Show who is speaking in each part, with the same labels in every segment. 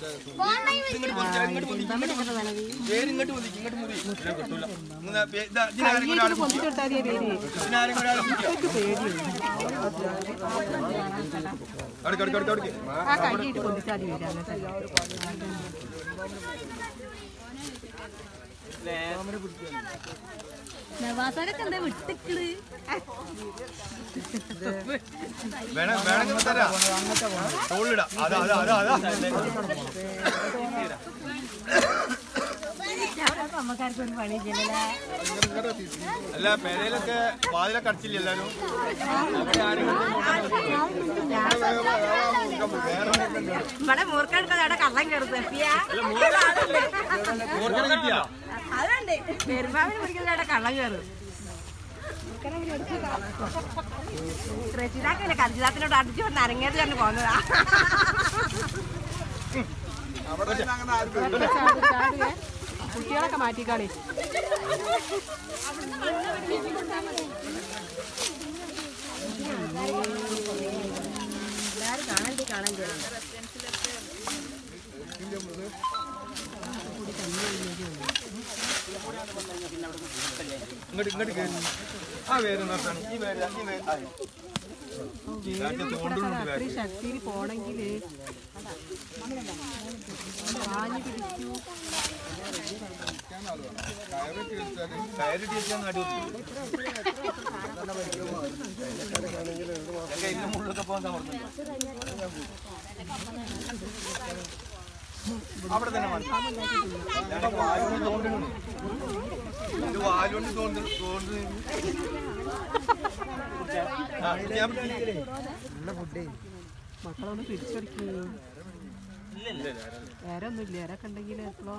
Speaker 1: നവാസൊക്കെ എന്താ വിട്ടിക്കള് അമ്മക്കാർക്കൊരു പണി
Speaker 2: അല്ല പേരയിലൊക്കെ വാതിലൊക്കെ അടച്ചില്ല എല്ലാരും
Speaker 1: ഇവിടെ മൂർക്കെടുത്തത് അവിടെ കള്ളം കയറുന്നത് അതുണ്ട് പെരുമാവിന് പിടിക്കുന്നത് അവിടെ കള്ളം കയറും റെച്ചിതാക്കല്ലേ കർജിതാത്തിനോട് അടിച്ചു കൊണ്ട് അരങ്ങേറി തന്നെ പോകുന്നതാ കുട്ടികളൊക്കെ മാറ്റിക്കാളി എല്ലാരും കാണാൻ ചേരുന്നു
Speaker 2: ഇങ്ങോട്ട് ആ വേര് നിർത്താൻ ഈ വേര്
Speaker 1: ശക്തിയിൽ പോണെങ്കില്
Speaker 2: കയറി ടീച്ചാൻ മുള്ളൊക്കെ പോകാൻ സമർത്തുന്നു അവിടെ തന്നെ വാലുകൊണ്ട്
Speaker 1: മക്കളൊന്ന് പിടിച്ചടിക്കൂ വേറെ ഒന്നുമില്ല വേറൊക്കെ ഉണ്ടെങ്കിൽ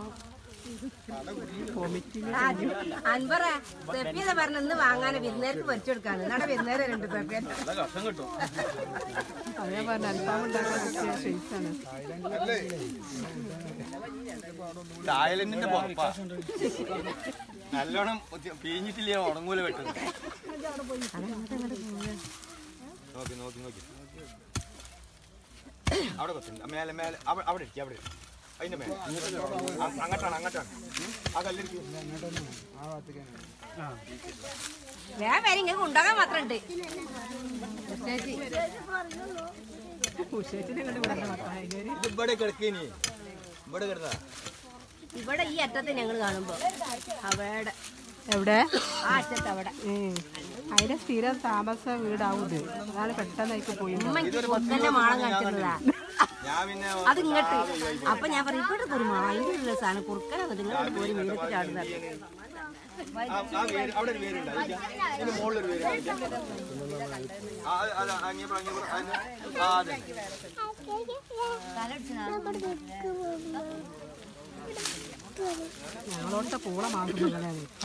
Speaker 1: പറഞ്ഞ ഇന്ന് വാങ്ങാൻ വിരുന്നേർക്ക് പൊരിച്ചെടുക്കാണ് എന്നാണ് വിരുന്നേരം രണ്ട് പേർക്ക് അതേ പറഞ്ഞ അൽഫാം ഉണ്ടാക്കാൻ പറ്റിയ ഷെയ്സാണ്
Speaker 2: തായ്ലൻഡിന്റെ പുറപ്പാ നല്ലോണം പിഴിഞ്ഞിട്ടില്ല ഉണങ്ങൂല വെട്ടുന്നത് നോക്കി നോക്കി നോക്കി അവിടെ കൊച്ചുണ്ട് മേലെ മേലെ അവിടെ ഇരിക്കും അവിടെ അതിന്റെ മേലെ അങ്ങോട്ടാണ് അങ്ങോട്ടാണ് ആ കല്ലിരിക്കും
Speaker 1: ഉണ്ടാകാൻ മാത്രണ്ട്
Speaker 2: ഇവിടെ കിടക്കേനി ഇവിടെ കിടന്ന
Speaker 1: ഇവിടെ ഈ അറ്റത്ത് ഞങ്ങൾ കാണുമ്പോ അവിടെ എവിടെ ആ അറ്റത്ത് അവിടെ അതിന്റെ സ്ഥിരം താമസ വീടാവൂത് അതാണ് പെട്ടെന്നായിട്ട് പോയി കൊത്തന്റെ മാളം കാണിക്കുന്നതാ അത് ഇങ്ങോട്ട് അപ്പൊ ഞാൻ പറയും ഇവിടെ ഒരു അതിന്റെ ഒരു രസമാണ് കുറുക്കനത് നിങ്ങൾ ഒരു വീടൊക്കെ ചാടുന്നത് ഞങ്ങളോടത്തെ പൂള മാസം